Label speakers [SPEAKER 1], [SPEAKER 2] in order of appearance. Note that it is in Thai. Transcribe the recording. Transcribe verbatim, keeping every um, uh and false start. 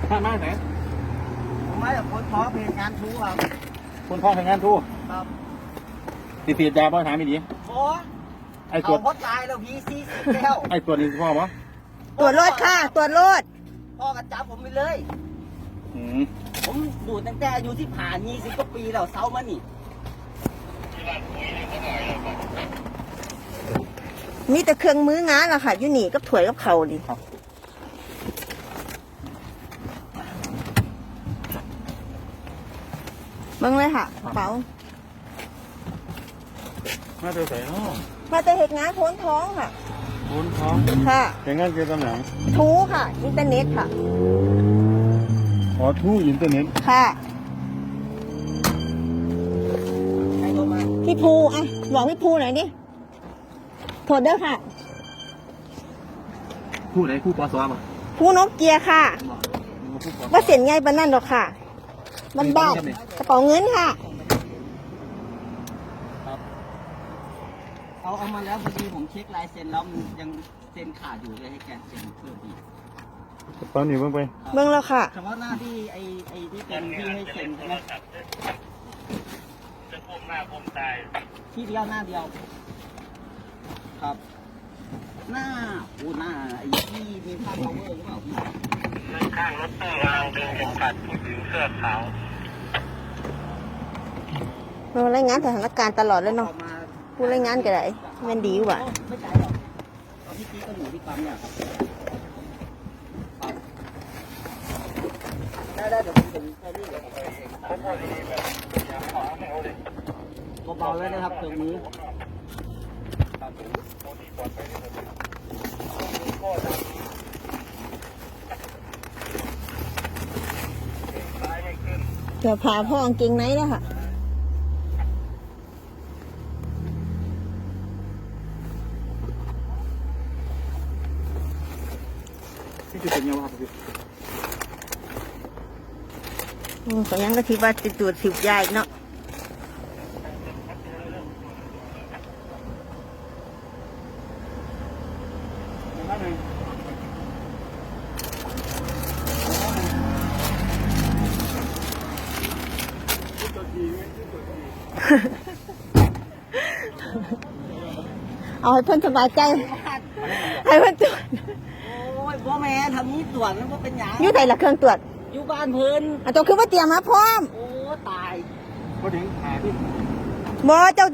[SPEAKER 1] มามาไหน
[SPEAKER 2] ผมมาจากคนท้อเพลงงานทูครับ
[SPEAKER 1] คนพ่อทำงานทู
[SPEAKER 2] ครับ
[SPEAKER 1] ติดติดยาพ่อถามไม่ดี
[SPEAKER 2] โอ้
[SPEAKER 1] ไอ้ตัว
[SPEAKER 2] พ่อตายแล้วพี่ซีสิแก้ว
[SPEAKER 1] ไอ้ตัวนี้พ่อปะ
[SPEAKER 3] ตรวจรถค่ะตรวจรถ
[SPEAKER 2] พ่อกระจับผมไปเลย
[SPEAKER 1] อืม
[SPEAKER 2] ผมดูตั้งแต่อายุที่ผ่านยี่สิบกว่าปีแล้วเซามานี่
[SPEAKER 3] มีแต่เครื่องมืองานล่ะค่ะอยู่นี่กับถ้วยกับเข่าดิเบิ่งเลยค่ะกระเป๋า
[SPEAKER 1] มาเจอใส่เนาะ
[SPEAKER 3] มาแต่เหตุงานโพ้นท้องค่ะ
[SPEAKER 1] โอนท้อง
[SPEAKER 3] ค่ะ
[SPEAKER 1] แต่งงานเกี่ยวกับหนัง
[SPEAKER 3] ทูค่ะอินเทอร์เน็ตค่ะ
[SPEAKER 1] อ๋อทูอินเทอร์เน็ต
[SPEAKER 3] ค่ะ
[SPEAKER 2] ใครโทรมา
[SPEAKER 3] พี่ภูอ่ะบอกพี่ภูหน่อยดิโทษเด้อค่ะ
[SPEAKER 1] ผู้ไหนผู้ปอสวะ
[SPEAKER 3] ภูนกเกียร์ค่ะว่าเสียนไงบ้านนั่นหรอกค่ะบ้านบ้านกระเป๋าเงินค่ะ
[SPEAKER 2] เอาเอามาแล้วพอดีผมเช็คลายเซ็นแล้วมันยังเซ็นขาดอยู่เลยให้แกเซ็นเพิ่มอีก
[SPEAKER 1] ตอนนี้เบิ่งไป
[SPEAKER 3] เบิ่งแล้วค่ะ
[SPEAKER 2] เฉพาะหน้าที่ไอ้ไอ้ที่เป็นที่ให้เซ็นใช่ไหม
[SPEAKER 1] จะพุ่มหน้าพุ่มตาย
[SPEAKER 2] ที่เดียวหน้าเดียวครับหน้าโอ้หน้าไอ้ที่มีภาพ power หรือเปล่าพี่
[SPEAKER 1] นั่งข้างรถตู้กำลังดึงเข็มขัดผู้หญิงเสื้อขาว
[SPEAKER 3] เรารายงานสถานการณ์ตลอดเลยเนาะผู้รายงานก็ได้มันดีกว่า
[SPEAKER 2] ไม่ใจหรอกพี่กี้ก็อยู่ที่ปั๊มเนี่ยครับได้ได้เดี๋ยวผมเป็นแค่นี้เดี๋ยวผมไปเองเบาๆเลยนะครับตรงนี้
[SPEAKER 3] เดี๋ยวพาพ่อกางเกงไหนแล้วค่ะ
[SPEAKER 1] ที่จุดเป็นยังไงครับพี่
[SPEAKER 3] อืมก็ยังก็ที่ว่าจะตรวจสิบยาอีกเนาะเอาให้เพื่อนสบายใจให้เพื่อนตรวจ
[SPEAKER 2] โอ้ยพ่อแม่ทำนี้ตรวจแล้วก็เป็นยัง
[SPEAKER 3] อยู่ไหนล่ะเครื่องตรวจ
[SPEAKER 2] อยู่บ้านเพิ่น
[SPEAKER 3] อ่ะตัวคือว่าเตรียมมาพร้อม
[SPEAKER 2] โอ้ตาย
[SPEAKER 1] พอถึงหาที่
[SPEAKER 3] บอเจ้า